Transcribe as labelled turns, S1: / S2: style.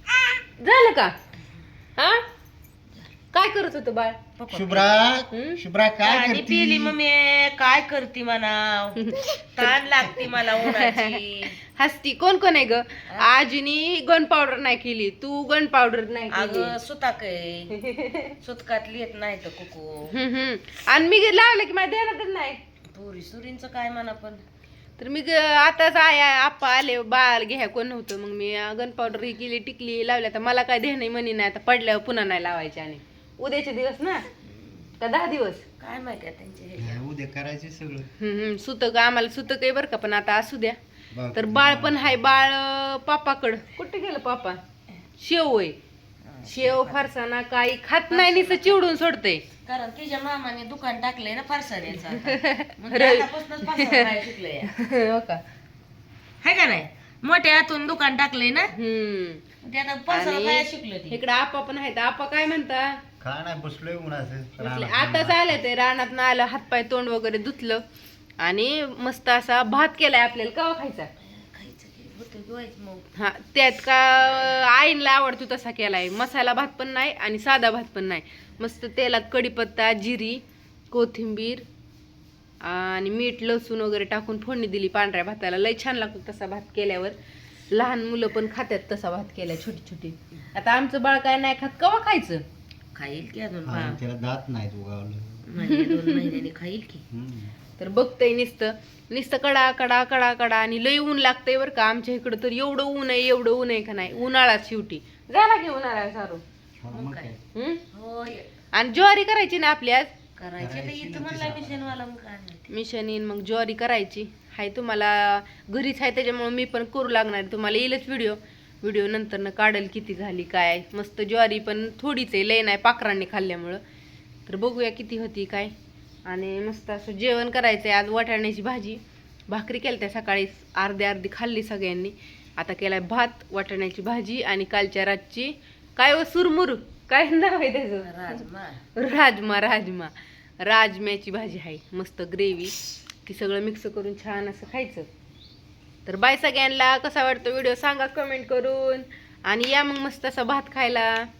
S1: झालं का? हा काय करत होतं बाळ?
S2: शुभ्रा शुभ्रा काय
S3: आणि
S2: करती?
S3: पिली मम्मी काय करती म्हणा ताण लागती मला उन्हाची.
S1: हसती. कोण कोण आहे ग? आजीनी गन पावडर नाही केली, तू गन पावडर नाही केली.
S3: अगं सुताक आहे सुतकातली येत नाही तर कुकू.
S1: आणि मी लावलं की माझ्या ध्यानातच नाही.
S3: पुरी सुरींच काय म्हणा पण
S1: तर मी आताच आप्पा आले बाळ घ्या कोण नव्हतं, मग मी गन पावडर ही केली, टिकली लावल्या. तर मला काय ध्यान म्हणी नाही, आता पडल्यावर पुन्हा नाही लावायचे. आणि उद्याचे दिवस ना का 10 दिवस
S3: काय माहिती आहे त्यांचे हे.
S2: नाही, उद्या करायचे सगळं.
S1: सुतक आम्हाला सुतक आहे बरं का, पण आता असू द्या.
S2: बघ.
S1: तर बाळ पण हाय. बाळ पापाकडं कुठे गेलं पापा? शेव आहे. शेव फरसाणा काही खात नाही, नुसतं चिवडून सोडतंय.
S3: कारण तिच्या मामाने दुकान टाकलंय ना फरसाण्याचं आतापासूनच फरसाण खायला शिकलंय.
S1: हो का?
S3: हाय का नाही? मोठ्या हातून दुकान टाकलंय ना ते आता फरसाण खायला शिकलं ती.
S1: इकडे आपा पण आहेत. आपा काय म्हणता?
S2: काय नाही बसलोय उन्हाचं
S1: आताच आले ते रानात ना आलं, हातपाय तोंड वगैरे धुतलं आणि मस्त असा भात केलाय. आपल्याला कवा खायचा?
S3: खायचं की होतं की व्हायचं मग.
S1: हा त्यात का आईला आवडतो तसा केलाय. मसाला भात पण नाही आणि साधा भात पण नाही. मस्त तेलात कढीपत्ता, जिरी, कोथिंबीर आणि मीठ, लसूण वगैरे टाकून फोडणी दिली पांढऱ्या भाताला. लय छान लागतो तसा भात केल्यावर. लहान मुलं पण खात्यात तसा भात केलाय, छोटी छोटी. आता आमचं बाळ काय नाही खात, कवा खायचं?
S3: खाईल की अजून
S2: त्याला दात नाहीत उगावलं.
S3: 2 महिन्याने खाईल की.
S1: तर बघतंय नुसतं कडा कडा कडा कडा. आणि लय ऊन लागतंय बरं का आमच्या इकडं. तर एवढं ऊन आहे, एवढं ऊन आहे का नाही. उन्हाळाच शेवटी झाला की उन्हाळा सारू.
S3: मग काय होय
S1: आणि ज्वारी करायची ना आपली आज.
S3: करायचे तर इथं म्हणला मिशनवाला मग काय माहिती.
S1: मिशन येईन मग ज्वारी करायची हाय. तुम्हाला घरीच आहे त्याच्यामुळे मी पण करू लागणार. तुम्हाला येईलच व्हिडिओ नंतर काढेल किती झाली काय. मस्त ज्वारी पण थोडीच आहे, लय नाही पाखरांनी खाल्ल्यामुळं. तर बघूया किती होती काय. आणि मस्त असं जेवण करायचंय आज. वाटाण्याची भाजी, भाकरी केल्या त्या सकाळी अर्धी खाल्ली सगळ्यांनी. आता केलाय भात, वाटाण्याची भाजी आणि कालच्या रातची काय सुरमुर काय नाव आहे त्याचं? राजम्याची भाजी आहे. मस्त ग्रेव्ही ती सगळं मिक्स करून छान असं खायचं. तर बाय सगळ्यांना. कसा वाटतो व्हिडिओ सांगा कमेंट करून. आणि या मग मस्त असा भात खायला.